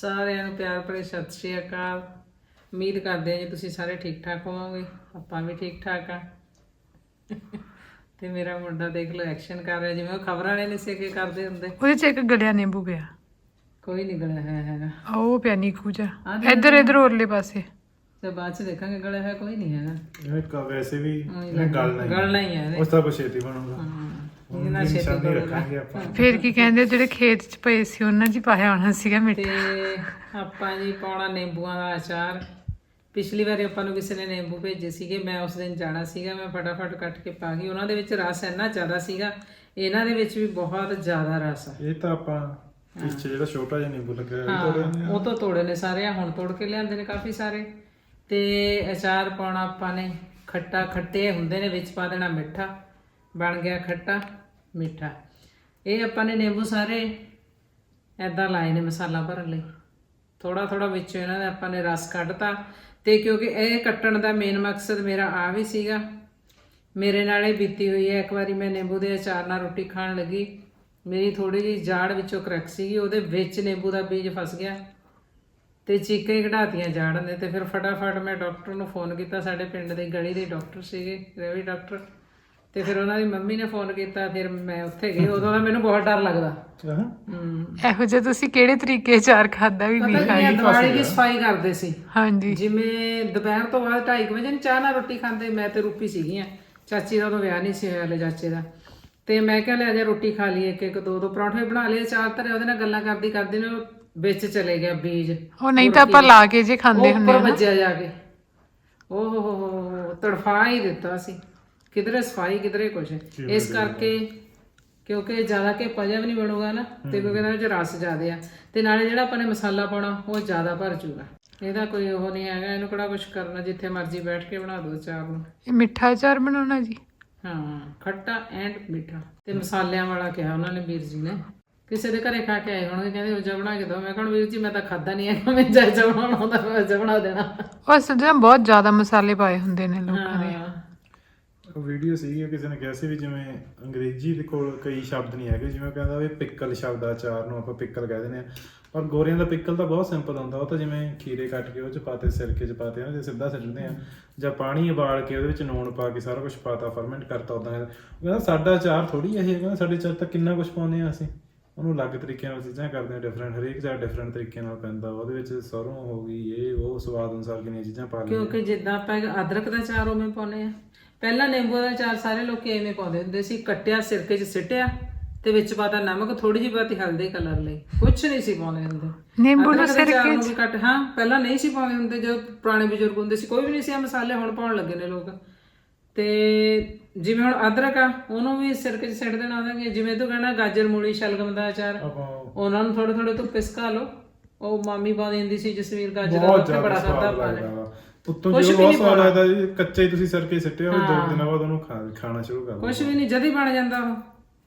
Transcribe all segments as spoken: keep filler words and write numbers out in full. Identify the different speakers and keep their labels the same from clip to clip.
Speaker 1: ਸਾਰਿਆਂ ਨੂੰ ਪਿਆਰ ਭਰੀ ਸਤਿ ਸ਼੍ਰੀ ਅਕਾਲ। ਉਮੀਦ ਕਰਦੇ ਹਾਂ ਜੀ ਤੁਸੀਂ ਸਾਰੇ ਠੀਕ ਠਾਕ ਹੋਵੋਗੇ। ਆਪਾਂ ਵੀ ਠੀਕ ਠਾਕ ਆ। ਤੇ ਮੇਰਾ ਮੁੰਡਾ ਦੇਖ ਲਓ ਐਕਸ਼ਨ ਕਰ ਰਿਹਾ ਜਿਵੇਂ ਉਹ ਖਬਰਾਂ ਵਾਲੇ ਨੇ ਸੇ ਕੇ ਕਰਦੇ ਹੁੰਦੇ।
Speaker 2: ਉਹਦੇ ਚ ਇੱਕ ਗਲਿਆ ਨਿੰਬੂ ਪਿਆ,
Speaker 1: ਕੋਈ ਨਹੀਂ ਗਲਿਆ ਹੈ ਹੈਗਾ।
Speaker 2: ਉਹ ਪਿਆ ਨੀਕੂ ਜਾ ਇੱਧਰ ਇੱਧਰ ਉਰਲੇ ਪਾਸੇ।
Speaker 1: ਤੇ ਬਾਅਦ ਚ ਦੇਖਾਂਗੇ ਗਲਿਆ ਹੈ ਕੋਈ ਨਹੀਂ ਹੈਗਾ।
Speaker 3: ਇਹ ਕ ਵੈਸੇ ਵੀ ਇਹ ਗੱਲ ਨਹੀਂ
Speaker 1: ਗਲਣਾ ਹੀ ਹੈ
Speaker 3: ਉਸ ਤਾਂ ਬਛੇਤੀ ਬਣੂਗਾ।
Speaker 1: ਇਹਦੇ ਨਾਲ ਛੇਤੀ
Speaker 3: ਨਿਸ਼ਾਨੀ
Speaker 1: ਗਲੂਗਾ।
Speaker 3: ਰੱਖਾਂਗੇ ਆਪਾਂ।
Speaker 2: ਫਿਰ ਕੀ ਕਹਿੰਦੇ ਜਿਹੜੇ ਖੇਤ ਚ ਪਏ ਸੀ ਉਹਨਾਂ 'ਚ ਹੀ ਪਾਇਆ ਹੋਣਾ ਸੀਗਾ ਮਿੱਠਾ।
Speaker 1: ਤੇ ਆਪਾਂ ਜੀ ਪਾਉਣਾ ਨਿੰਬੂਆਂ ਦਾ ਅਚਾਰ। ਪਿਛਲੀ ਵਾਰੀ ਆਪਾਂ ਨੂੰ ਕਿਸੇ ਨੇ ਨਿੰਬੂ ਭੇਜੇ ਸੀਗੇ, ਮੈਂ ਉਸ ਦਿਨ ਜਾਣਾ ਸੀਗਾ, ਮੈਂ ਫਟਾਫਟ ਕੱਟ ਕੇ ਪਾ ਗਈ। ਉਹਨਾਂ ਦੇ ਵਿੱਚ ਰਸ ਇੰਨਾ ਜ਼ਿਆਦਾ ਸੀਗਾ, ਇਹਨਾਂ ਦੇ ਵਿੱਚ ਵੀ ਬਹੁਤ ਜ਼ਿਆਦਾ ਰਸ ਆ।
Speaker 3: ਇਹ ਤਾਂ ਆਪਾਂ ਪਿੱਛੇ ਜਿਹੜਾ ਛੋਟਾ ਜਿਹਾ ਨਿੰਬੂ ਲੱਗਿਆ ਉਹ
Speaker 1: ਹਾਂ,
Speaker 3: ਤੋੜਿਆ
Speaker 1: ਉਹ ਤੋਂ ਤੋੜੇ ਨੇ ਸਾਰੇ, ਹੁਣ ਤੋੜ ਕੇ ਲਿਆਂਦੇ ਨੇ ਕਾਫੀ ਸਾਰੇ। ਤੇ ਅਚਾਰ ਪਾਉਣਾ ਆਪਾਂ ਨੇ ਖੱਟਾ, ਖੱਟੇ ਹੁੰਦੇ ਨੇ, ਵਿੱਚ ਪਾ ਦੇਣਾ ਮਿੱਠਾ, ਬਣ ਗਿਆ ਖੱਟਾ ਮਿੱਠਾ। ਇਹ ਆਪਾਂ ਨੇ ਨਿੰਬੂ ਸਾਰੇ ਐਦਾਂ ਲਾਏ ਨੇ ਮਸਾਲਾ ਭਰਨ ਲਈ। ਥੋੜਾ ਥੋੜਾ ਵਿੱਚੋਂ ਇਹਨਾਂ ਦਾ ਆਪਾਂ ਨੇ ਰਸ ਕੱਢਤਾ। ਤੇ ਕਿਉਂਕਿ ਇਹ ਕੱਟਣ ਦਾ ਮੇਨ ਮਕਸਦ ਮੇਰਾ ਆ ਵੀ ਸੀਗਾ, ਮੇਰੇ ਨਾਲ ਇਹ ਬੀਤੀ ਹੋਈ ਹੈ। ਇੱਕ ਵਾਰੀ ਮੈਂ ਨਿੰਬੂ ਦੇ ਅਚਾਰ ਨਾਲ ਰੋਟੀ ਖਾਣ ਲੱਗੀ, ਮੇਰੀ ਥੋੜੀ ਜਿਹੀ ਜਾੜ ਵਿੱਚੋਂ ਕਰੈਕ ਸੀਗੀ, ਉਹਦੇ ਵਿੱਚ ਨਿੰਬੂ ਦਾ ਬੀਜ ਫਸ ਗਿਆ ਤੇ ਚੀਕਾਂ ਹੀ ਕਢਾਤੀਆਂ ਜਾੜ ਨੇ। ਤੇ ਫਿਰ ਫਟਾਫਟ ਮੈਂ ਡਾਕਟਰ ਨੂੰ ਫੋਨ ਕੀਤਾ, ਸਾਡੇ ਪਿੰਡ ਦੇ ਗਲੀ ਦੇ ਡਾਕਟਰ ਸੀਗੇ, ਰਵੀ ਡਾਕਟਰ। ਤੇ ਫਿਰ ਉਹਨਾਂ ਦੀ ਮੰਮੀ ਨੇ ਫੋਨ ਕੀਤਾ, ਫਿਰ ਮੈਂ ਉੱਥੇ ਗਈ। ਉਦੋਂ ਦਾ ਮੈਨੂੰ ਬਹੁਤ ਡਰ ਲੱਗਦਾ। ਹੂੰ,
Speaker 2: ਇਹੋ ਜਿਹਾ ਤੁਸੀਂ ਕਿਹੜੇ ਤਰੀਕੇ ਅਚਾਰ ਖਾਦਾ ਵੀ ਨਹੀਂ ਖਾਈ?
Speaker 1: ਦਿਵਾਲੀ ਦੀ ਸਫਾਈ ਕਰਦੇ ਸੀ,
Speaker 2: ਹਾਂਜੀ।
Speaker 1: ਜਿਵੇਂ ਦੁਪਹਿਰ ਤੋਂ ਬਾਅਦ ਢਾਈ ਵਜੇ ਨੂੰ ਚਾਹ ਨਾਲ ਰੋਟੀ ਖਾਂਦੇ। ਮੈਂ ਤੇ ਰੂਪੀ ਸੀਗੀਆਂ, ਚਾਚੀ ਦਾ ਉਦੋਂ ਵਿਆਹ ਨਹੀਂ ਸੀ ਹੋਇਆ ਹਲੇ ਚਾਚੇ ਦਾ। ਤੇ ਮੈਂ ਕਿਹਾ ਲੈ ਜਾ ਰੋਟੀ ਖਾ ਲਈਏ, ਇੱਕ ਇੱਕ ਦੋ ਦੋ ਪਰੌਂਠੇ ਬਣਾ ਲਏ, ਚਾਰ ਧਰੇ। ਉਹਦੇ ਨਾਲ ਗੱਲਾਂ ਕਰਦੀ ਕਰਦੀ ਨੇ ਵਿੱਚ ਚਲੇ ਗਿਆ ਬੀਜ।
Speaker 2: ਉਹ ਨਹੀਂ ਤਾਂ ਆਪਾਂ ਲਾ ਕੇ ਜੇ ਖਾਂਦੇ ਹੁੰਦੇ
Speaker 1: ਉੱਪਰ ਵੱਜਿਆ ਜਾ ਕੇ, ਓਹ ਹੋ ਹੋ ਤੜਫਾ ਹੀ ਦਿੱਤਾ ਸੀ। ਕਿਧਰੇ ਸਫਾਈ ਕਿਧਰੇ ਕੁਛ। ਇਸ ਕਰਕੇ ਕਿਉਂਕਿ ਜ਼ਿਆਦਾ ਕਿ ਪਜਾ ਵੀ ਨਹੀਂ ਬਣੂਗਾ ਨਾ, ਤੇ ਕਿਉਂਕਿ ਇਹਦੇ ਵਿੱਚ ਰਸ ਜ਼ਿਆਦੇ ਆ, ਤੇ ਨਾਲੇ ਜਿਹੜਾ ਆਪਾਂ ਨੇ ਮਸਾਲਾ ਪਾਉਣਾ ਉਹ ਜ਼ਿਆਦਾ ਭਰ ਜੂਗਾ। ਇਹਦਾ ਕੋਈ ਉਹ ਨਹੀਂ ਹੈਗਾ, ਇਹਨੂੰ ਕਿਹੜਾ ਕੁਛ ਕਰਨਾ, ਜਿੱਥੇ ਮਰਜ਼ੀ ਬੈਠ ਕੇ ਬਣਾ ਦੋ ਅਚਾਰ ਨੂੰ।
Speaker 2: ਇਹ ਮਿੱਠਾ ਅਚਾਰ ਬਣਾਉਣਾ ਜੀ?
Speaker 1: ਹਾਂ, ਖੱਟਾ ਐਂਡ ਮਿੱਠਾ ਤੇ ਮਸਾਲਿਆਂ ਵਾਲਾ ਕਿਹਾ ਉਹਨਾਂ ਨੇ ਵੀਰ ਜੀ ਨੇ। ਕਿਸੇ ਦੇ ਘਰੇ ਖਾ ਕੇ ਆਏ ਹੋਣਗੇ, ਕਹਿੰਦੇ ਉਹ ਜਾ ਬਣਾ ਕੇ ਦੋ। ਮੈਂ ਕਹਣ ਵੀਰ ਜੀ ਮੈਂ ਤਾਂ ਖਾਦਾ ਨਹੀਂ ਹੈ, ਮੈਂ ਜਾ ਜਾ ਬਣਾਉਣਾ ਹੁੰਦਾ ਮੈਂ ਜਾ ਬਣਾ ਦੇਣਾ।
Speaker 2: ਉਹ ਸੱਜਾ ਬਹੁਤ ਜ਼ਿਆਦਾ ਮਸਾਲੇ ਪਾਏ ਹੁੰਦੇ ਨੇ ਲੋਕਾਂ ਦੇ।
Speaker 1: ਹਾਂ,
Speaker 3: ਉਹ ਵੀਡੀਓ ਸੀਗੀ, ਕਿਸੇ ਨੇ ਕਿਹਾ ਸੀ ਵੀ ਜਿਵੇਂ ਅੰਗਰੇਜ਼ੀ ਦੇ ਕੋਲ ਕਈ ਸ਼ਬਦ ਨਹੀਂ ਹੈਗੇ, ਜਿਵੇਂ ਕਹਿੰਦਾ ਵੀ ਪਿੱਕਲ ਸ਼ਬਦ ਆ, ਅਚਾਰ ਨੂੰ ਆਪਾਂ ਪਿੱਕਲ ਕਹਿ ਦਿੰਦੇ ਆ, ਪਰ ਗੋਰਿਆਂ ਦਾ ਪਿੱਕਲ ਤਾਂ ਬਹੁਤ ਸਿੰਪਲ ਹੁੰਦਾ। ਉਹ ਤਾਂ ਜਿਵੇਂ ਖੀਰੇ ਕੱਟ ਕੇ ਉਹ ਚ ਪਾਤੇ, ਸਿਰਕੇ ਚ ਪਾਤੇ ਨਾ, ਜੇ ਸਿੱਧਾ ਸਿੱਟਦੇ ਆ, ਜਾਂ ਪਾਣੀ ਉਬਾਲ ਕੇ ਉਹਦੇ ਵਿੱਚ ਨੂਣ ਪਾ ਕੇ ਸਾਰਾ ਕੁਝ ਪਾਤਾ, ਫਰਮੈਂਟ ਕਰਤਾ। ਉਦਾਂ ਉਹ ਕਹਿੰਦਾ ਸਾਡਾ ਅਚਾਰ ਥੋੜੀ ਇਹ ਕਹਿੰਦਾ, ਸਾਡੇ ਅਚਾਰ ਤਾਂ ਕਿੰਨਾ ਕੁਝ ਪਾਉਂਦੇ ਆ ਅਸੀਂ, ਉਹਨੂੰ ਅਲੱਗ ਤਰੀਕੇ ਨਾਲ ਚੀਜ਼ਾਂ ਕਰਦੇ ਆ, ਡਿਫਰੈਂਟ, ਹਰੇਕ ਅਚਾਰ ਡਿਫਰੈਂਟ ਤਰੀਕੇ ਨਾਲ ਪੈਂਦਾ। ਉਹਦੇ ਵਿੱਚ ਸਰੋਂ ਹੋ ਗਈ, ਇਹ ਉਹ ਸਵਾਦ ਅਨੁਸਾਰ ਕਿੰਨੀਆਂ ਚੀਜ਼ਾਂ ਪਾ ਲਈਆਂ।
Speaker 1: ਕਿਉਂਕਿ ਜਿੱਦਾਂ ਆਪਾਂ ਅਦਰਕ ਦਾ ਅਚਾਰ ਉਵੇਂ ਪਾਉਂਦੇ ਆ। ਪਹਿਲਾਂ ਨਿੰਬੂ ਦਾ ਅਚਾਰ ਸਾਰੇ ਲੋਕੀ ਐਵੇਂ ਪਾਉਂਦੇ ਹੁੰਦੇ ਸੀ, ਕੱਟਿਆ, ਸਿਰਕੇ 'ਚ ਸਿੱਟਿਆ ਤੇ ਵਿੱਚ ਪਾਤਾ ਨਮਕ, ਥੋੜੀ ਜਿਹੀ ਪਾਤੀ ਹਲਦੀ ਕਲਰ ਲਈ, ਕੁਛ ਨਹੀਂ ਸੀ ਪਾਉਂਦੇ ਹੁੰਦੇ।
Speaker 2: ਨਿੰਬੂ ਨੂੰ
Speaker 1: ਅਦਰਕ ਦੇ ਅਚਾਰ
Speaker 2: ਸਿਰਕੇ
Speaker 1: ਨੂੰ ਵੀ ਕੱਟ, ਹਾਂ ਪਹਿਲਾਂ ਨਹੀਂ ਸੀ ਪਾਉਂਦੇ ਹੁੰਦੇ, ਜਦੋਂ ਪੁਰਾਣੇ ਬਜ਼ੁਰਗ ਹੁੰਦੇ ਸੀ ਕੋਈ ਵੀ ਨਹੀਂ ਸੀ ਆ ਮਸਾਲੇ, ਹੁਣ ਪਾਉਣ ਲੱਗੇ ਨੇ ਲੋਕ। ਤੇ ਜਿਵੇਂ ਹੁਣ ਅਦਰਕ ਆ, ਉਹਨੂੰ ਵੀ ਸਿਰਕੇ 'ਚ ਸਿੱਟ ਦੇਣਾ ਉਹਦਾ। ਜਿਵੇਂ ਤੂੰ ਕਹਿਣਾ ਗਾਜਰ, ਮੂਲੀ, ਸ਼ਲਗਮ ਦਾ ਅਚਾਰ, ਉਹਨਾਂ ਨੂੰ ਥੋੜੇ ਥੋੜੇ ਧੁੱਪੇ ਸੁਕਾ ਲਓ। ਉਹ ਮਾਮੀ ਪਾਉਂਦੀ ਹੁੰਦੀ ਸੀ ਜਸਵੀਰ, ਗਾਜਰ ਦਾ ਉੱਥੇ ਬੜਾ ਖਾਦਾ ਪਾ ਲੈ।
Speaker 3: ਉੱਤੋਂ ਜੋ ਬਹੁਤ ਸਵਾਦ ਲੱਗਦਾ ਜੀ, ਕੱਚੇ ਹੀ ਤੁਸੀਂ ਸਿਰਕੇ ਸਿੱਟੇ ਹੋਏ, ਦੋ ਦਿਨਾਂ ਬਾਅਦ ਉਹਨੂੰ ਖਾਣਾ ਸ਼ੁਰੂ ਕਰ ਦਿਓ।
Speaker 1: ਕੁਛ ਵੀ ਨਹੀਂ, ਜਦ ਹੀ ਬਣ ਜਾਂਦਾ ਉਹ।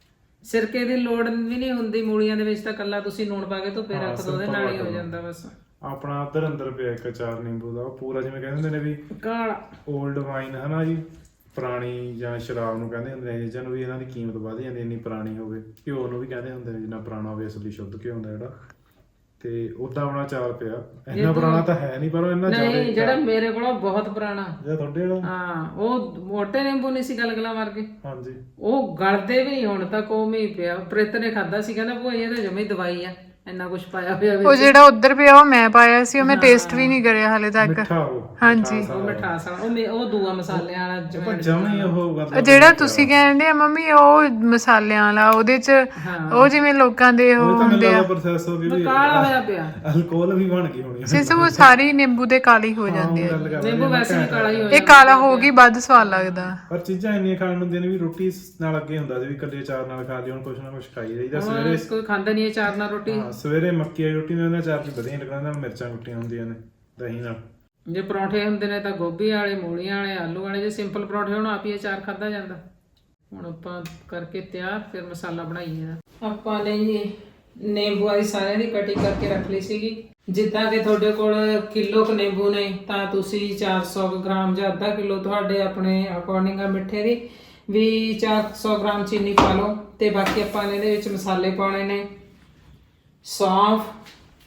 Speaker 1: ਸਿਰਕੇ ਦੀ ਲੋੜ ਵੀ ਨਹੀਂ ਹੁੰਦੀ ਮੂਲੀਆਂ ਦੇ ਵਿੱਚ, ਤਾਂ ਕੱਲਾ ਤੁਸੀਂ ਲੂਣ ਪਾ ਕੇ ਧੁੱਪੇ ਰੱਖ ਦੋ, ਉਹਦੇ ਨਾਲ ਹੀ ਹੋ ਜਾਂਦਾ ਬਸ।
Speaker 3: ਆਪਣਾ ਉੱਧਰ ਅੰਦਰ ਪਿਆ ਇੱਕ ਅਚਾਰ ਨਿੰਬੂ ਦਾ, ਉਹ ਪੂਰਾ ਜਿਵੇਂ ਕਹਿੰਦੇ ਹੁੰਦੇ ਨੇ ਵੀ
Speaker 1: ਕਾਲਾ
Speaker 3: 올ਡ ਵਾਈਨ ਹਨਾ ਜੀ, ਪੁਰਾਣੀ ਜਾਂ ਸ਼ਰਾਬ ਨੂੰ ਕਹਿੰਦੇ ਹੁੰਦੇ ਨੇ ਚੀਜ਼ਾਂ ਨੂੰ, ਵੀ ਇਹਨਾਂ ਦੀ ਕੀਮਤ ਵਧ ਜਾਂਦੀ ਇੰਨੀ ਪੁਰਾਣੀ ਹੋਵੇ। ਘਿਓ ਨੂੰ ਵੀ ਕਹਿੰਦੇ ਹੁੰਦੇ ਨੇ ਜਿੰਨਾ ਪੁਰਾਣਾ ਹੋਵੇ ਅਸਲੀ ਸ਼ੁੱਧ ਘਿਓ ਹੁੰਦਾ ਜਿਹੜਾ। ਤੇ ਉਦਾਂ ਆਪਣਾ ਅਚਾਰ ਪਿਆ, ਇੰਨਾ ਪੁਰਾਣਾ ਤਾਂ ਹੈ ਨਹੀਂ, ਪਰ ਉਹ ਇੰਨਾ ਜ਼ਿਆਦਾ।
Speaker 1: ਨਹੀਂ, ਜਿਹੜਾ ਮੇਰੇ ਕੋਲ ਬਹੁਤ ਪੁਰਾਣਾ,
Speaker 3: ਜਿਹੜਾ ਤੁਹਾਡੇ ਵਾਲਾ,
Speaker 1: ਹਾਂ ਉਹ ਮੋਟੇ ਨਿੰਬੂ ਨਹੀਂ ਸੀ ਗਲਗਲਾ ਮਾਰ ਕੇ,
Speaker 3: ਹਾਂਜੀ,
Speaker 1: ਉਹ ਗਲਦੇ ਵੀ ਨਹੀਂ ਹੁਣ ਤੱਕ, ਉਹ ਵੀ ਪਿਆ। ਪ੍ਰਿਤ ਨੇ ਖਾਦਾ ਸੀ, ਕਹਿੰਦਾ ਭੋਈ ਇਹ ਤਾਂ ਜਮੇ ਦਵਾਈ ਆ, ਇੰਨਾ ਕੁਝ ਪਾਇਆ ਹੋਇਆ
Speaker 2: ਉਹ ਜਿਹੜਾ ਉੱਧਰ ਪਿਆ ਉਹ ਮੈਂ ਪਾਇਆ ਸੀ, ਉਹ ਮੈਂ ਟੇਸਟ ਵੀ ਨਹੀਂ ਕਰਿਆ ਹਾਲੇ ਤੱਕ।
Speaker 3: ਮਿੱਠਾ ਉਹ,
Speaker 2: ਹਾਂਜੀ,
Speaker 1: ਉਹ ਮਿਠਾਸ ਵਾਲਾ, ਉਹ ਮੇ- ਉਹ ਦੂਆ ਮਸਾਲਿਆਂ ਵਾਲਾ ਜਮੈਣ।
Speaker 3: ਜਮੀ ਉਹ
Speaker 2: ਉਹ ਜਿਹੜਾ ਤੁਸੀਂ ਕਹਿੰਦੇ ਆ ਮੰਮੀ ਉਹ ਮਸਾਲਿਆਂ ਵਾਲਾ, ਉਹਦੇ ਚ ਉਹ ਜਿਵੇਂ ਲੋਕਾਂ ਦੇ ਉਹ ਹੁੰਦੇ ਆ,
Speaker 3: ਪ੍ਰੋਸੈਸ ਹੋ ਗਿਆ,
Speaker 1: ਕਾਲਾ ਹੋਇਆ ਪਿਆ,
Speaker 3: ਅਲਕੋਹਲ ਵੀ ਬਣ ਗਈ ਹੋਣੀ।
Speaker 2: ਸਿਰਫ ਉਹ ਸਾਰੀ ਨਿੰਬੂ ਦੇ ਕਾਲੀ ਹੋ ਜਾਂਦੇ ਆ।
Speaker 1: ਨਿੰਬੂ ਵੈਸੇ ਵੀ ਕਾਲਾ ਹੀ ਹੋ
Speaker 2: ਇਹ ਕਾਲਾ ਹੋ ਗਈ ਵੱਧ ਸਵਾਦ ਲੱਗਦਾ।
Speaker 3: ਪਰ ਚੀਜ਼ਾਂ ਇੰਨੀਆਂ ਖਾਣ ਨੂੰ ਹੁੰਦੀਆਂ ਨੇ ਵੀ ਰੋਟੀ ਨਾਲ ਅੱਗੇ ਹੁੰਦਾ ਸੀ ਵੀ ਇਕੱਲੇ ਅਚਾਰ ਨਾਲ ਖਾ ਲਈ, ਹੁਣ ਕੁਛ ਨਾ ਕੁਛ ਖਾਈ ਜਾਈਦਾ। ਸਵੇਰੇ
Speaker 1: ਕੋਈ ਖਾਂਦਾ ਨਹੀਂ ਅਚਾਰ ਨਾਲ ਰੋਟੀ।
Speaker 3: ਹਾਂ, ਸਵੇਰੇ ਮੱਕੀ ਵਾਲੀ ਰੋਟੀ ਨਾਲ ਅਚਾਰ ਵੀ ਵਧੀਆ ਲੱਗਦਾ, ਨਾਲ ਮਿਰਚਾਂ ਕੁੱਟੀਆਂ ਹੁੰਦੀਆਂ ਨੇ ਦਹੀਂ ਨਾਲ।
Speaker 1: ਜੇ ਪਰੌਂਠੇ ਹੁੰਦੇ ਨੇ ਤਾਂ ਗੋਭੀ ਵਾਲੇ, ਮੂਲੀਆਂ ਵਾਲੇ, ਆਲੂ ਵਾਲੇ। ਜੇ ਸਿੰਪਲ ਪਰੌਂਠੇ ਹੋਣ ਆਪ ਹੀ ਅਚਾਰ ਖਾਦਾ ਜਾਂਦਾ। ਹੁਣ ਆਪਾਂ ਕਰਕੇ ਤਿਆਰ, ਫਿਰ ਮਸਾਲਾ ਬਣਾਈਏ ਇਹਦਾ। ਆਪਾਂ ਨੇ ਜੀ ਨਿੰਬੂ ਵਾਲੀ ਸਾਰਿਆਂ ਦੀ ਕਟਿੰਗ ਕਰਕੇ ਰੱਖ ਲਈ ਸੀਗੀ। ਜਿੱਦਾਂ ਕਿ ਤੁਹਾਡੇ ਕੋਲ ਕਿਲੋ ਕੁ ਨਿੰਬੂ ਨੇ ਤਾਂ ਤੁਸੀਂ ਚਾਰ ਸੌ ਗ੍ਰਾਮ ਜਾਂ ਅੱਧਾ ਕਿਲੋ ਤੁਹਾਡੇ ਆਪਣੇ ਅਕੋਰਡਿੰਗ ਆ ਮਿੱਠੇ ਦੀ ਵੀ ਚਾਰ ਸੌ ਗ੍ਰਾਮ ਚੀਨੀ ਪਾ ਲਓ। ਤੇ ਬਾਕੀ ਆਪਾਂ ਨੇ ਇਹਦੇ ਵਿੱਚ ਮਸਾਲੇ ਪਾਉਣੇ ਨੇ, ਸੌਂਫ,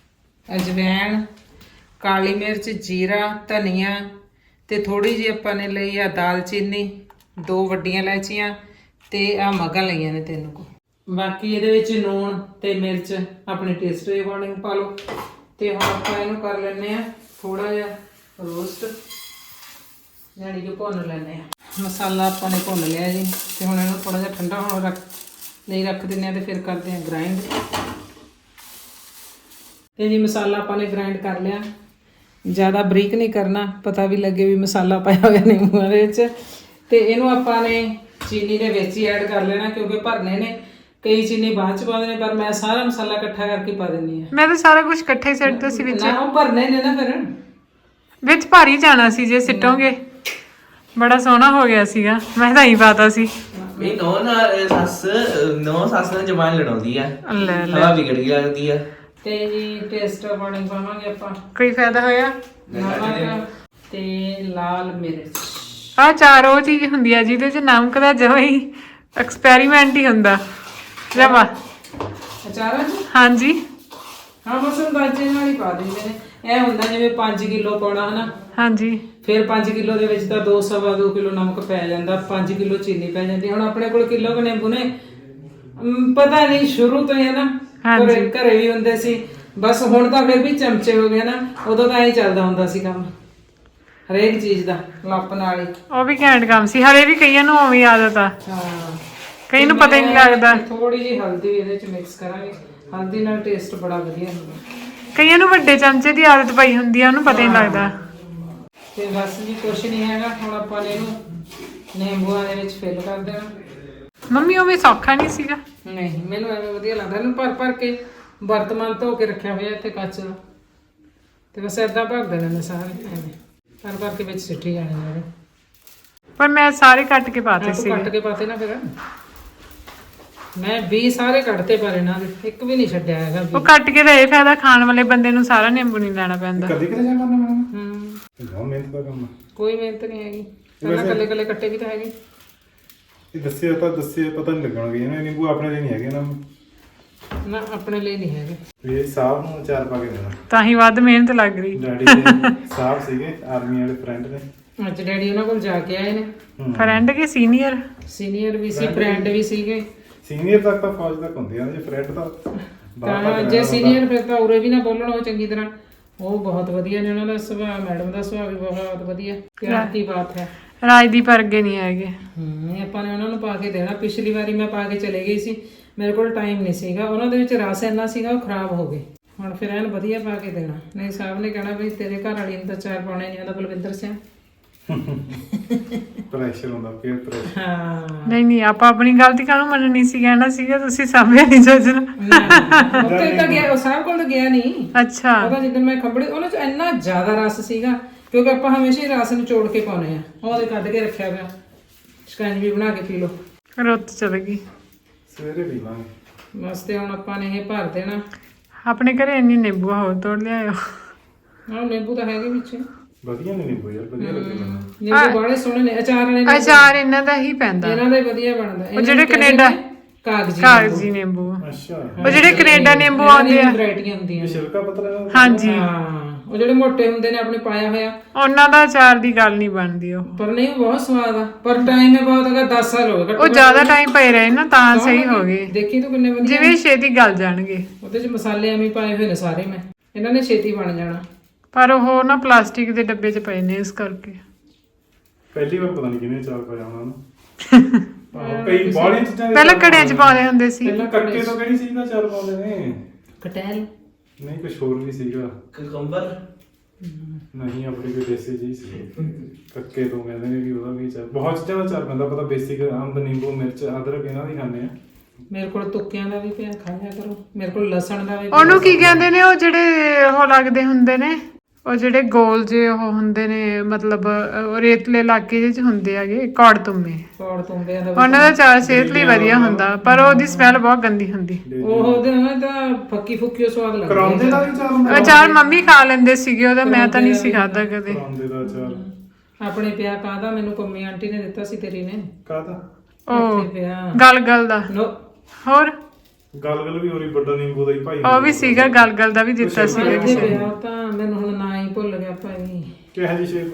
Speaker 1: ਅਜਵਾਇਣ, ਕਾਲੀ ਮਿਰਚ, ਜੀਰਾ, ਧਨੀਆ ਤੇ ਥੋੜੀ ਜਿਹੀ ਆਪਾਂ ਨੇ ਲਈ ਆ ਦਾਲਚੀਨੀ, ਦੋ ਵੱਡੀਆਂ ਇਲਾਇਚੀਆਂ ਤੇ ਆ ਮਗਾਂ ਲਈਆਂ ਨੇ ਤਿੰਨ ਕੋ। ਬਾਕੀ ਇਹਦੇ ਵਿੱਚ ਲੂਣ ਤੇ ਮਿਰਚ ਆਪਣੇ ਟੇਸਟ ਦੇ ਅਕੋਰਡਿੰਗ ਪਾ ਲਓ। ਤੇ ਹੁਣ ਆਪਾਂ ਇਹਨੂੰ ਕਰ ਲੈਂਦੇ ਆ ਥੋੜਾ ਜਿਹਾ ਰੋਸਟ, ਯਾਨੀ ਕਿ ਭੁੰਨ ਲੈਂਦੇ ਆ। ਮਸਾਲਾ ਆਪਾਂ ਨੇ ਭੁੰਨ ਲਿਆ ਜੀ ਤੇ ਹੁਣ ਇਹਨੂੰ ਥੋੜਾ ਜਿਹਾ ਠੰਡਾ ਹੋਣ ਰੱਖ ਨਹੀਂ ਰੱਖ ਦਿੰਦੇ ਆ ਤੇ ਫਿਰ ਕਰਦੇ ਆ ਗ੍ਰਾਈਂਡ। ਤੇ ਜੀ ਮਸਾਲਾ ਆਪਾਂ ਨੇ ਗ੍ਰਾਈਂਡ ਕਰ ਲਿਆ, ਜ਼ਿਆਦਾ ਬਰੀਕ ਨਹੀਂ ਕਰਨਾ, ਪਤਾ ਵੀ ਲੱਗੇ ਵੀ ਮਸਾਲਾ ਪਾਇਆ ਹੋਇਆ ਨਿੰਬੂਆਂ ਦੇ ਵਿੱਚ। ਤੇ ਇਹਨੂੰ ਆਪਾਂ ਨੇ ਚੀਨੀ ਦੇ ਵਿੱਚ ਹੀ ਐਡ ਕਰ ਲੈਣਾ ਕਿਉਂਕਿ ਭਰਨੇ ਨੇ, ਕਈ ਚੀਨੀ ਬਾਅਦ ਚ ਪਾਉਂਦੇ ਨੇ ਪਰ ਮੈਂ ਸਾਰਾ ਮਸਾਲਾ ਇਕੱਠਾ ਕਰਕੇ ਪਾ ਦਿੰਦੀ ਆ।
Speaker 2: ਮੈਂ ਤਾਂ ਸਾਰਾ ਕੁਝ ਇਕੱਠਾ ਹੀ ਸਿੱਟਦਾ ਸੀ ਵਿੱਚ।
Speaker 1: ਨਾ ਉਹ ਭਰਨੇ ਨੇ ਨਾ ਫਿਰ
Speaker 2: ਵਿੱਚ ਭਾਰੀ ਜਾਣਾ ਸੀ ਜੇ ਸਿੱਟੋਗੇ। ਬੜਾ ਸੋਹਣਾ ਹੋ ਗਿਆ ਸੀਗਾ, ਮੈਂ ਤਾਂ ਹੀ ਪਾਤਾ ਸੀ।
Speaker 4: ਇਹ ਨੋ ਨਾ ਸੱਸ ਨੋ ਸੱਸ ਨਾਲ ਜਮਾਨ ਲੜਾਉਂਦੀ ਆ,
Speaker 2: ਲੈ ਲੈ
Speaker 4: ਹਵਾ ਵਿਗੜ ਗਈ ਲੱਗਦੀ ਆ।
Speaker 1: ਤੇ ਜੀ ਟੇਸਟ ਅਕੋਰਡਿੰਗ ਪਾਵਾਂਗੇ ਆਪਾਂ
Speaker 2: ਕੋਈ ਫਾਇਦਾ ਹੋਇਆ?
Speaker 1: ਨਮਕ ਤੇ ਲਾਲ ਮਿਰਚ।
Speaker 2: ਆ ਚਾਰ ਉਹ ਚੀਜ਼ ਹੁੰਦੀ ਆ ਜਿਹਦੇ ਚ ਨਮਕ ਦਾ ਜਮਾ ਹੀ ਐਕਸਪੈਰੀਮੈਂਟ ਹੀ ਹੁੰਦਾ ਜਮਾ।
Speaker 1: ਅਚਾਰਾਂ ਚ
Speaker 2: ਹਾਂਜੀ
Speaker 1: ਹਾਂ ਬਸ ਅੰਦਾਜ਼ੇ ਨਾਲ ਹੀ ਪਾ ਦਿੰਦੇ ਨੇ। ਇਹ ਹੁੰਦਾ ਜਿਵੇਂ ਪੰਜ ਕਿਲੋ ਪਾਉਣਾ ਹਨਾ,
Speaker 2: ਹਾਂਜੀ
Speaker 1: ਫਿਰ ਪੰਜ ਕਿਲੋ ਦੇ ਵਿੱਚ ਤਾਂ ਦੋ ਸਵਾ ਦੋ ਕਿਲੋ ਨਮਕ ਪੈ ਜਾਂਦਾ, ਪੰਜ ਕਿਲੋ ਚੀਨੀ ਪੈ ਜਾਂਦੀ। ਹੁਣ ਆਪਣੇ ਕੋਲ ਕਿਲੋ ਕੁ ਨਿੰਬੂ ਨੇ, ਅਮ, ਪਤਾ ਨਹੀਂ ਸ਼ੁਰੂ ਤੋਂ ਹੀ ਹੈ ਨਾ, ਘਰੇ ਘਰੇ ਵੀ ਹੁੰਦੇ ਸੀ ਬਸ। ਹੁਣ ਤਾਂ ਫਿਰ ਵੀ ਚਮਚੇ ਹੋ ਗਏ ਨਾ, ਉਦੋਂ ਤਾਂ ਐਂ ਚੱਲਦਾ ਹੁੰਦਾ ਸੀ ਕੰਮ ਹਰੇਕ ਚੀਜ਼ ਦਾ ਲੱਪ ਨਾਲ ਹੀ।
Speaker 2: ਉਹ ਵੀ ਘੈਂਟ ਕੰਮ ਸੀ। ਹਲੇ ਵੀ ਕਈਆਂ ਨੂੰ ਉਵੇਂ ਆਦਤ ਆ,
Speaker 1: ਹਾਂ
Speaker 2: ਕਈ ਨੂੰ ਪਤਾ ਹੀ ਨਹੀਂ ਲੱਗਦਾ।
Speaker 1: ਥੋੜੀ ਜਿਹੀ ਹਲਦੀ ਵੀ ਇਹਦੇ ਚ ਮਿਕਸ ਕਰਾਂਗੇ, ਹਲਦੀ ਨਾਲ ਟੇਸਟ ਬੜਾ ਵਧੀਆ ਹੁੰਦਾ।
Speaker 2: ਕਈਆਂ ਨੂੰ ਵੱਡੇ ਚਮਚੇ ਦੀ ਆਦਤ ਪਈ ਹੁੰਦੀ ਆ, ਉਹਨੂੰ ਪਤਾ ਹੀ ਨਹੀਂ ਲੱਗਦਾ।
Speaker 1: ਤੇ ਬਸ ਜੀ ਕੁਛ ਨਹੀਂ ਹੈਗਾ, ਹੁਣ ਆਪਾਂ ਨੇ ਇਹਨੂੰ ਨਿੰਬੂਆਂ ਦੇ ਵਿੱਚ ਫਿਲ ਕਰ ਦੇਣਾ।
Speaker 2: ਮੰਮੀ ਉਹ ਵੀ ਸੌਖਾ ਨਹੀਂ ਸੀਗਾ।
Speaker 1: ਨਹੀਂ ਮੈਨੂੰ ਐਵੇਂ ਵਧੀਆ ਲੱਗਦਾ, ਇਹਨੂੰ ਭਰ ਭਰ ਕੇ ਬਰਤਮਾਨ ਧੋ ਕੇ ਰੱਖਿਆ ਹੋਇਆ ਇੱਥੇ ਕੱਚ ਦਾ, ਤੇ ਬਸ ਏਦਾਂ ਭਰ ਦੇਣੇ ਨੇ ਸਾਰੇ, ਐਵੇਂ ਭਰ ਭਰ ਕੇ ਵਿੱਚ ਸਿੱਟੀ ਜਾਣੇ ਨੇ।
Speaker 2: ਪਰ ਮੈਂ ਸਾਰੇ ਕੱਟ ਕੇ ਪਾਤੇ
Speaker 1: ਤੂੰ
Speaker 2: ਸੀ।
Speaker 1: ਕੱਟ ਕੇ ਪਾਤੇ ਨਾ ਫਿਰ, ਮੈਂ ਵੀਹ ਸਾਰੇ ਕੱਢਤੇ ਪਰ ਇਹਨਾਂ ਦੇ ਇੱਕ ਵੀ ਨਹੀਂ ਛੱਡਿਆ ਹੈਗਾ।
Speaker 2: ਉਹ ਕੱਟ ਕੇ ਤਾਂ ਇਹ ਫਾਇਦਾ, ਖਾਣ ਵਾਲੇ ਬੰਦੇ ਨੂੰ ਸਾਰਾ ਨਿੰਬੂ ਨਹੀਂ ਲੈਣਾ ਪੈਂਦਾ।
Speaker 3: ਕਦੀ ਕਦੇ ਜਾ ਕਰਨਾ ਮੈਡਮ,
Speaker 1: ਹੂੰ
Speaker 3: ਬਹੁਤ ਮਿਹਨਤ ਦਾ ਕੰਮ ਆ।
Speaker 1: ਕੋਈ ਮਿਹਨਤ ਨਹੀਂ ਹੈਗੀ, ਪਹਿਲਾਂ ਕੱਲੇ ਕੱਲੇ ਕੱਟੇ ਵੀ ਤਾਂ ਹੈਗੇ।
Speaker 3: ਇਹ ਦੱਸਿਆ ਤਾਂ ਦੱਸਿਆ ਪਤਾ ਨਹੀਂ ਲੱਗਣਾ ਵੀ ਇਹਨਾਂ ਨਿੰਬੂ ਆਪਣੇ ਲਈ ਨਹੀਂ ਹੈਗੇ ਨਾ,
Speaker 1: ਨਾ ਆਪਣੇ ਲਈ ਨਹੀਂ ਹੈਗੇ।
Speaker 3: ਵੀ ਇਹ ਸਾਹਿਬ ਨੂੰ ਅਚਾਰ ਪਾ ਕੇ ਦੇਣਾ।
Speaker 2: ਤਾਂ ਹੀ ਵੱਧ ਮਿਹਨਤ ਲੱਗ ਰਹੀ।
Speaker 3: ਡੈਡੀ ਦੇ ਸਾਹਿਬ ਸੀਗੇ ਆਰਮੀ ਵਾਲੇ ਫਰੈਂਡ ਨੇ,
Speaker 1: ਅੱਜ ਡੈਡੀ ਉਹਨਾਂ ਕੋਲ ਜਾ ਕੇ ਆਏ ਨੇ।
Speaker 2: ਫਰੈਂਡ ਕੇ ਸੀਨੀਅਰ?
Speaker 1: ਸੀਨੀਅਰ ਵੀ ਸੀ, ਫਰੈਂਡ ਵੀ ਸੀਗੇ।
Speaker 3: ਸੀਨੀਅਰ ਤੱਕ ਤਾਂ ਫੌਜ ਤੱਕ ਹੁੰਦੇ ਆ, ਜੇ ਫਰੈਂਡ ਤਾਂ
Speaker 1: ਤਾਂ ਜੇ ਸੀਨੀਅਰ ਫਿਰ ਤਾਂ ਉਰੇ ਵੀ ਨਾ ਬੋਲਣ ਉਹ ਚੰਗੀ ਤਰ੍ਹਾਂ। ਉਹ ਬਹੁਤ ਵਧੀਆ ਨੇ, ਉਹਨਾਂ ਦਾ ਸੁਭਾਅ, ਮੈਡਮ ਦਾ ਸੁਭਾਅ ਵੀ ਬਹੁਤ ਵਧੀਆ, ਪਿਆਰ ਦੀ ਬਾਤ ਹੈ।
Speaker 2: ਰਾਜਦੀਪ ਵਰਗੇ ਨਹੀਂ ਹੈਗੇ।
Speaker 1: ਹੂੰ ਆਪਾਂ ਨੇ ਉਹਨਾਂ ਨੂੰ ਪਾ ਕੇ ਦੇਣਾ। ਪਿਛਲੀ ਵਾਰੀ ਮੈਂ ਪਾ ਕੇ ਚਲੇ ਗਈ ਸੀ, ਮੇਰੇ ਕੋਲ ਟਾਈਮ ਨਹੀਂ ਸੀਗਾ, ਉਹਨਾਂ ਦੇ ਵਿੱਚ ਰਸ ਇੰਨਾ ਸੀਗਾ ਉਹ ਖਰਾਬ ਹੋ ਗਏ। ਹੁਣ ਫਿਰ ਐਨ ਵਧੀਆ ਪਾ ਕੇ ਦੇਣਾ, ਨਹੀਂ ਸਾਹਿਬ ਨੇ ਕਹਿਣਾ ਵੀ ਤੇਰੇ ਘਰ ਵਾਲੀ ਨੂੰ ਤਾਂ ਚਾਰ ਪਾਉਣੇ ਨਹੀਂ ਆਉਂਦਾ ਬਲਵਿੰਦਰ ਸਿੰਘ।
Speaker 3: ਪ੍ਰੈਸ਼ਰ ਹੁੰਦਾ, ਪੀਅਰ ਪ੍ਰੈਸ਼ਰ।
Speaker 1: ਹਾਂ
Speaker 2: ਨਹੀਂ ਨਹੀਂ, ਆਪਾਂ ਆਪਣੀ ਗਲਤੀ ਕਾਹਨੂੰ ਮੰਨਣੀ ਸੀ? ਕਹਿਣਾ ਸੀਗਾ ਤੁਸੀਂ ਸਾਹਮਣੇ ਨਹੀਂ ਸੋਚਣਾ।
Speaker 1: ਉੱਥੇ ਤਾਂ ਗਿਆ, ਉਹ ਸਾਹਿਬ ਕੋਲ ਤਾਂ ਗਿਆ ਨਹੀਂ।
Speaker 2: ਅੱਛਾ
Speaker 1: ਉਹਦਾ ਜਿੱਦਣ ਮੈਂ ਖੰਬੜੀ, ਉਹਨਾਂ ਚ ਇੰਨਾ ਜ਼ਿਆਦਾ ਰਸ ਸੀਗਾ ਕਿਉਂਕਿ ਆਪਾਂ ਹਮੇਸ਼ਾ ਹੀ ਰਸ ਨੂੰ ਚੋੜ ਕੇ ਪਾਉਨੇ ਆ। ਉਹਦੇ ਕੱਢ ਕੇ ਰੱਖਿਆ ਪਿਆ, ਸ਼ਿਕੰਜਵੀ ਬਣਾ ਕੇ ਪੀ ਲਓ।
Speaker 2: ਰੁੱਤ ਚਲ ਗਈ।
Speaker 3: ਸਵੇਰੇ ਪੀ ਲਾਂਗੇ
Speaker 1: ਬਸ ਤੇ ਹੁਣ ਆਪਾਂ ਨੇ ਇਹ ਭਰ ਦੇਣਾ।
Speaker 2: ਆਪਣੇ ਘਰੇ ਇੰਨੀ ਨਿੰਬੂ ਹੋਰ ਤੋੜ ਲਿਆਇਓ।
Speaker 1: ਆਹ ਨਿੰਬੂ ਤਾਂ ਹੈਗੇ ਵਿੱਚ,
Speaker 3: ਵਧੀਆ ਨੇ ਨਿੰਬੂ ਯਾਰ, ਵਧੀਆ ਲੱਗੇ ਮੈਨੂੰ।
Speaker 1: ਨਿੰਬੂ ਬਾਲੇ ਸੋਹਣੇ ਨੇ। ਅਚਾਰ ਵਾਲੇ ਨਿੰਬੂ
Speaker 2: ਅਚਾਰ ਇਹਨਾਂ ਦਾ ਹੀ ਪੈਂਦਾ,
Speaker 1: ਇਹਨਾਂ ਦਾ ਹੀ ਵਧੀਆ ਬਣਦਾ।
Speaker 2: ਉਹ ਜਿਹੜੇ ਕੈਨੇਡਾ
Speaker 1: ਕਾਗਜ਼ੀ
Speaker 2: ਕਾਗਜ਼ੀ ਨਿੰਬੂ,
Speaker 3: ਅੱਛਾ,
Speaker 2: ਉਹ ਜਿਹੜੇ ਕੈਨੇਡਾ ਨਿੰਬੂ ਆਉਂਦੇ ਆ,
Speaker 1: ਵੈਰਾਈਟੀਆਂ ਹੁੰਦੀਆਂ ਨੇ।
Speaker 3: ਛਿਲਕਾ ਪਤਲਾ ਨਾ।
Speaker 2: ਹਾਂਜੀ
Speaker 1: ਹਾਂ ਉਹ ਜਿਹੜੇ ਮੋਟੇ ਹੁੰਦੇ ਨੇ ਆਪਣੇ ਪਾਇਆ ਹੋਇਆ,
Speaker 2: ਉਹਨਾਂ ਦਾ ਅਚਾਰ ਦੀ ਗੱਲ ਨਹੀਂ ਬਣਦੀ। ਉਹ
Speaker 1: ਪਰ ਨਹੀਂ ਉਹ ਬਹੁਤ ਸਵਾਦ ਆ, ਪਰ ਟਾਈਮ ਹੈ ਬਹੁਤ ਹੈਗਾ, ਦਸ ਸਾਲ ਹੋ ਗਏ
Speaker 2: ਉਹ ਜ਼ਿਆਦਾ ਟਾਈਮ ਪਏ ਰਹੇ ਨਾ ਤਾਂ ਸਹੀ ਹੋ ਗਏ।
Speaker 1: ਦੇਖੀ ਤੂੰ ਕਿੰਨੇ ਵਧੀਆ,
Speaker 2: ਜਿਵੇਂ ਛੇਤੀ ਗਲ ਜਾਣਗੇ।
Speaker 1: ਉਹਦੇ ਚ ਮਸਾਲੇ ਐਵੇਂ ਪਾਏ ਹੋਏ ਨੇ ਸਾਰੇ, ਮੈਂ ਇਹਨਾਂ ਨੇ ਛੇਤੀ ਬਣ ਜਾਣਾ।
Speaker 2: ਪਰ ਉਹ ਨਾ ਪਲਾਸਟਿਕ ਦੇ ਡੱਬੇ 'ਚ ਪਏ ਨੇ, ਇਸ ਕਰਕੇ
Speaker 3: ਪਹਿਲੀ ਵਾਰ ਪਤਾ ਨਹੀਂ ਕਿਹਨੇ ਚਾਰ ਪਾਇਆ ਉਹਨਾਂ ਨੂੰ। ਆਹੋ, ਕਈ ਬਾਹਲੀਆਂ ਚੀਜ਼ਾਂ ਦੇ
Speaker 2: ਪਹਿਲਾਂ
Speaker 3: ਚਾਰ
Speaker 2: ਘੜਿਆਂ 'ਚ ਪਾਉਂਦੇ ਹੁੰਦੇ ਸੀ।
Speaker 3: ਪਹਿਲਾਂ ਕੱਕੇ ਤੋਂ ਕਿਹੜੀ ਚੀਜ਼ ਦਾ ਚਾਰ ਪਾਉਂਦੇ ਨੇ?
Speaker 1: ਕਟੈਲ
Speaker 3: ਨਹੀਂ ਕੁਝ ਹੋਰ ਵੀ ਸੀਗਾ।
Speaker 4: ਕੁਕੰਬਰ
Speaker 3: ਨਹੀਂ ਆਪਣੀ ਕੋਈ ਦੇਸੀ ਚੀਜ਼ ਸੀ, ਕੱਕੇ ਤੋਂ ਕਹਿੰਦੇ ਨੇ ਵੀ ਉਹਦਾ ਵੀ ਚਾਰ, ਬਹੁਤ ਚੀਜ਼ਾਂ ਦਾ ਚਾਰ ਪੈਂਦਾ। ਪਤਾ ਬੇਸਿਕ ਅੰਬ, ਨਿੰਬੂ, ਮਿਰਚ, ਅਦਰਕ ਇਹਨਾਂ ਦੀ ਖਾਂਦੇ ਆ।
Speaker 1: ਮੇਰੇ ਕੋਲ ਤੁੱਕਿਆਂ ਦਾ ਵੀ ਪਿਆ, ਖਾ ਲਿਆ ਕਰੋ। ਮੇਰੇ ਕੋਲ ਲਸਣ ਦਾ ਵੀ ਪਿਆ।
Speaker 2: ਉਹਨੂੰ ਕੀ ਕਹਿੰਦੇ ਨੇ ਉਹ ਜਿਹੜੇ ਉਹ ਲੱਗਦੇ ਹੁੰਦੇ ਨੇ, ਉਹ ਜਿਹੜੇ ਗੋਲ ਜੇ ਉਹ ਹੁੰਦੇ ਨੇ, ਮਤਲਬ ਉਹ ਰੇਤਲੇ ਇਲਾਕੇ ਜਿਹੇ 'ਚ ਹੁੰਦੇ ਹੈਗੇ, ਕੌੜ ਤੁੰਮੇ।
Speaker 1: ਕੌੜ ਤੁੰਬਿਆਂ ਦਾ
Speaker 2: ਉਹਨਾਂ ਦਾ ਚਾਰ ਸਿਹਤ ਲਈ ਵਧੀਆ ਹੁੰਦਾ, ਪਰ ਉਹਦੀ ਸਮੈਲ ਬਹੁਤ ਗੰਦੀ ਹੁੰਦੀ।
Speaker 1: ਉਹ ਉਹਦੇ ਨਾਲ ਤਾਂ ਫੱਕੀ ਫੁੱਕੀ ਸਵਾਦ ਲੱਗਦਾ।
Speaker 3: ਕਰਾਉਂਦੇ ਦਾ ਵੀ ਚਾਰ ਹੁੰਦਾ।
Speaker 2: ਅਚਾਰ ਮੰਮੀ ਖਾ ਲੈਂਦੇ ਸੀਗੇ ਉਹਦਾ, ਮੈਂ ਤਾਂ ਨਹੀਂ ਸੀ ਖਾਦਾ ਕਦੇ।
Speaker 3: ਕਰਾਉਂਦੇ ਦਾ ਚਾਰ
Speaker 1: ਆਪਣੇ ਪਿਆ ਕਾਹਦਾ, ਮੈਨੂੰ ਪੰਮੀ ਆਂਟੀ ਨੇ ਦਿੱਤਾ ਸੀ, ਤੇਰੀ ਨੇ।
Speaker 3: ਕਾਹਦਾ?
Speaker 2: ਉਹ
Speaker 1: ਇੱਥੇ ਪਿਆ
Speaker 2: ਗਲ ਗਲ ਦਾ।
Speaker 1: ਨੋ
Speaker 2: ਹੋਰ
Speaker 3: ਗਲ ਗਲ ਵੀ ਹੋਰੀ ਵੱਡਾ ਨਿੰਬੂ ਦਾ ਹੀ ਭਾਈ
Speaker 2: ਉਹ ਵੀ ਸੀਗਾ ਗਲਗਲ ਦਾ ਵੀ ਦਿੱਤਾ ਸੀਗਾ
Speaker 1: ਇੱਥੇ
Speaker 2: ਕਿਸੇ ਨੇ।
Speaker 1: ਪਿਆ ਤਾਂ ਮੈਨੂੰ ਹੁਣ ਨਾ ਹੀ ਭੁੱਲ ਗਿਆ ਭਾਈ।
Speaker 3: ਕਿਹੋ ਜਿਹੀ ਸ਼ੇਪ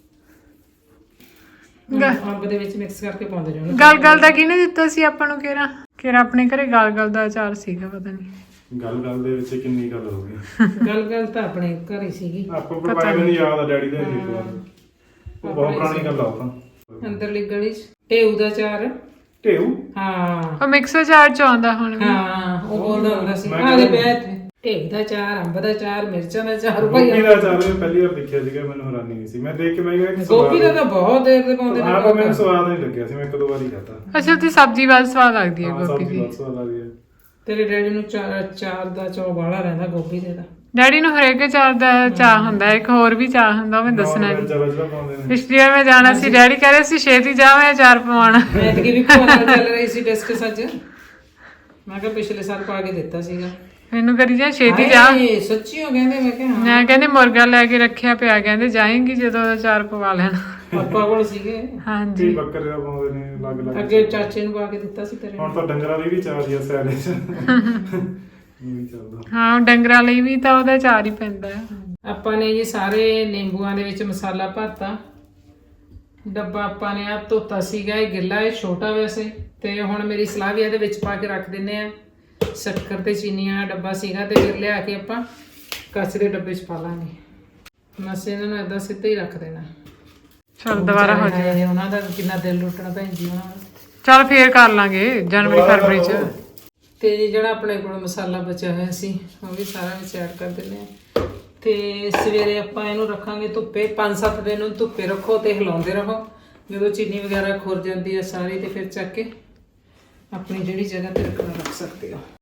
Speaker 1: ਅੰਬ ਦੇ ਵਿੱਚ ਮਿਕਸ ਕਰਕੇ ਪਾਉਂਦੇ ਜਾਣਾ।
Speaker 2: ਗਲਗਲ ਦਾ ਕਿਹਨੇ ਦਿੱਤਾ ਸੀ ਆਪਾਂ ਨੂੰ ਕਿਹੜਾ ਕਿਹੜਾ ਆਪਣੇ ਘਰੇ ਗਲਗਲ ਦਾ ਅਚਾਰ ਸੀਗਾ ਪਤਾ ਨਹੀਂ।
Speaker 3: ਗੱਲ ਗੱਲ ਦੇ ਵਿੱਚ ਕਿੰਨੀ ਗੱਲ ਹੋ ਗਈ।
Speaker 1: ਗੱਲ ਗੱਲ ਤਾਂ ਆਪਣੇ ਘਰ ਹੀ ਸੀਗੀ।
Speaker 3: ਆਪਾਂ ਪ੍ਰੋਵਾਈਡ ਨਹੀਂ ਯਾਦ ਆ ਡੈਡੀ ਦਾ ਜੀ ਉਹ ਬਹੁਤ ਪੁਰਾਣੀ ਗੱਲ ਆ ਉਹ ਤਾਂ।
Speaker 1: ਅੰਦਰਲੀ ਗਲੀ ਚ ਢੇਊ ਦਾ ਚਾਰ।
Speaker 3: ਢੇਊ
Speaker 1: ਹਾਂ
Speaker 2: ਉਹ ਮਿਕਸ ਅਚਾਰ ਚ ਆਉਂਦਾ ਹੁਣ ਵੀ।
Speaker 1: ਹਾਂ ਉਹ ਬੋਲਦਾ ਹੁੰਦਾ ਸੀ ਆ ਦੇ ਪਿਆ ਇੱਥੇ ਢੇਊ ਦਾ ਚਾਰ, ਅੰਬ ਦਾ ਚਾਰ, ਮਿਰਚਾਂ ਦਾ ਚਾਰ ਭਾਈ।
Speaker 3: ਗੋਭੀ ਦਾ ਅਚਾਰ ਮੈਂ ਪਹਿਲੀ ਵਾਰ ਦੇਖਿਆ ਸੀਗਾ, ਮੈਨੂੰ ਹੈਰਾਨੀ ਨਹੀਂ ਸੀ। ਮੈਂ ਦੇਖ ਕੇ ਮੈਂ ਕਿਹਾ ਕਿ
Speaker 1: ਗੋਭੀ ਦਾ ਤਾਂ ਬਹੁਤ ਦੇਰ ਦੇ ਪਾਉਂਦੇ ਨੇ।
Speaker 3: ਹਾਂ ਪਰ ਮੈਨੂੰ ਸਵਾਦ ਨਹੀਂ ਲੱਗਿਆ ਸੀ, ਮੈਂ ਇੱਕ ਦੋ ਵਾਰੀ ਖਾਧਾ।
Speaker 2: ਅੱਛਾ ਤੇ ਸਬਜ਼ੀ ਬਾਅਦ ਸਵਾਦ ਲੱਗਦੀ ਹੈ
Speaker 3: ਹਾਂ,
Speaker 2: ਗੋਭੀ
Speaker 3: ਸਬਜ਼ੀ
Speaker 2: ਦੀ।
Speaker 3: ਬਹੁਤ ਸਵਾਦ ਲੱਗਦੀ ਹੈ।
Speaker 1: ਤੇਰੇ ਡੈਡੀ ਨੂੰ ਚਾਰ ਚਾਰ ਦਾ ਚੌ ਬਾਹਲਾ ਰਹਿੰਦਾ ਗੋਭੀ ਦੇ ਦਾ।
Speaker 2: ਡੈਡੀ ਨੂੰ ਹਰੇਕ ਅਚਾਰ ਦਾ ਚਾਹ ਹੁੰਦਾ, ਇੱਕ ਹੋਰ ਵੀ ਚਾਹ ਹੁੰਦਾ, ਉਹ ਮੈਂ ਦੱਸਣਾ ਨਹੀਂ।
Speaker 3: ਚਲੋ ਚਲੋ ਪਾਉਂਦੇ ਨੇ।
Speaker 2: ਪਿਛਲੀ ਵਾਰ ਮੈਂ ਜਾਣਾ ਸੀ, ਡੈਡੀ ਕਹਿ ਰਹੇ ਸੀ ਛੇਤੀ ਜਾ ਮੈਂ ਅਚਾਰ ਪਵਾਉਣਾ।
Speaker 1: ਐਤਕੀ ਵੀ ਭੂਆ ਨਾਲ ਚੱਲ ਰਹੀ ਸੀ ਡਿਸਕਸ ਅੱਜ। ਮੈਂ ਕਿਹਾ ਪਿਛਲੇ ਸਾਲ ਪਾ ਕੇ ਦਿੱਤਾ ਸੀਗਾ।
Speaker 2: ਮੈਨੂੰ ਕਰੀ ਜਾ ਛੇਤੀ ਜਾ।
Speaker 1: ਹਾਏ ਸੱਚੀ ਹੋ ਕਹਿੰਦੇ। ਮੈਂ ਕਿਹਾ ਹਾਂ
Speaker 2: ਮੈਂ ਕਹਿੰਦੇ ਮੁਰਗਾ ਲੈ ਕੇ ਰੱਖਿਆ ਪਿਆ, ਕਹਿੰਦੇ ਜਾਏਂਗੀ ਜਦੋਂ ਅਚਾਰ ਪਵਾ ਲੈਣਾ।
Speaker 1: ਪਾਪਾ ਕੋਲ ਸੀਗੇ।
Speaker 2: ਹਾਂਜੀ
Speaker 3: ਕੀ ਬੱਕਰੇ ਦਾ ਪਾਉਂਦੇ ਨੇ ਅਲੱਗ ਅਲੱਗ।
Speaker 1: ਅੱਗੇ ਚਾਚੇ ਨੂੰ ਪਾ ਕੇ ਦਿੱਤਾ ਸੀ ਤੇਰੇ।
Speaker 3: ਹੁਣ ਤਾਂ ਡੰਗਰਾਂ ਲਈ ਵੀ ਚਾਰ ਹੀ ਆ ਸੈਲੇ ਚ। ਨਹੀਂ ਚੱਲਦਾ।
Speaker 2: ਹਾਂ ਡੰਗਰਾਂ ਲਈ ਵੀ ਤਾਂ ਉਹਦਾ ਅਚਾਰ ਹੀ ਪੈਂਦਾ ਹੈ।
Speaker 1: ਆਪਾਂ ਨੇ ਜੀ ਸਾਰੇ ਨਿੰਬੂਆਂ ਦੇ ਵਿੱਚ ਮਸਾਲਾ ਭਰਤਾ। ਡੱਬਾ ਆਪਾਂ ਨੇ ਆ ਧੋਤਾ ਸੀਗਾ, ਇਹ ਗਿੱਲਾ ਇਹ ਛੋਟਾ ਵੈਸੇ। ਤੇ ਹੁਣ ਮੇਰੀ ਸਲਾਹ ਵੀ ਇਹਦੇ ਵਿੱਚ ਪਾ ਕੇ ਰੱਖ ਦਿੰਨੇ ਆ। ਸ਼ੱਕਰ ਤੇ ਚੀਨੀਆਂ ਡੱਬਾ ਸੀਗਾ ਤੇ ਫਿਰ ਲਿਆ ਕੇ ਆਪਾਂ ਕੱਚ ਦੇ ਡੱਬੇ 'ਚ ਪਾ ਲਾਂਗੇ। ਬਸ ਇਹਨਾਂ ਨੂੰ ਏਦਾਂ ਸਿੱਧਾ ਹੀ ਰੱਖ ਦੇਣਾ।
Speaker 2: ਚਲ ਦੁਬਾਰਾ ਹੋ ਜਾਏ।
Speaker 1: ਇਹ ਉਹਨਾਂ ਦਾ ਕਿੰਨਾ ਦਿਲ ਲੁੱਟਣਾ ਭੈਣ ਜੀ ਉਹਨਾਂ ਦਾ।
Speaker 2: ਚਲ ਫੇਰ ਕਰ ਲਾਂਗੇ ਜਨਵਰੀ ਫਰਵਰੀ ਚ।
Speaker 1: ਤੇ ਜੀ ਜਿਹੜਾ ਆਪਣੇ ਕੋਲ ਮਸਾਲਾ ਬਚਿਆ ਹੋਇਆ ਸੀ ਉਹ ਵੀ ਸਾਰਾ ਵਿੱਚ ਐਡ ਕਰ ਦਿੰਦੇ ਆ। ਤੇ ਸਵੇਰੇ ਆਪਾਂ ਇਹਨੂੰ ਰੱਖਾਂਗੇ ਧੁੱਪੇ। ਪੰਜ ਸੱਤ ਦਿਨ ਨੂੰ ਧੁੱਪੇ ਰੱਖੋ ਤੇ ਹਿਲਾਉਂਦੇ ਰਹੋ। ਜਦੋਂ ਚੀਨੀ ਵਗੈਰਾ ਖੁਰ ਜਾਂਦੀ ਹੈ ਸਾਰੀ ਤੇ ਫਿਰ ਚੱਕ ਕੇ ਆਪਣੀ ਜਿਹੜੀ ਜਗ੍ਹਾ ਤੇ ਰੱਖਣਾ ਰੱਖ ਸਕਦੇ ਹੋ।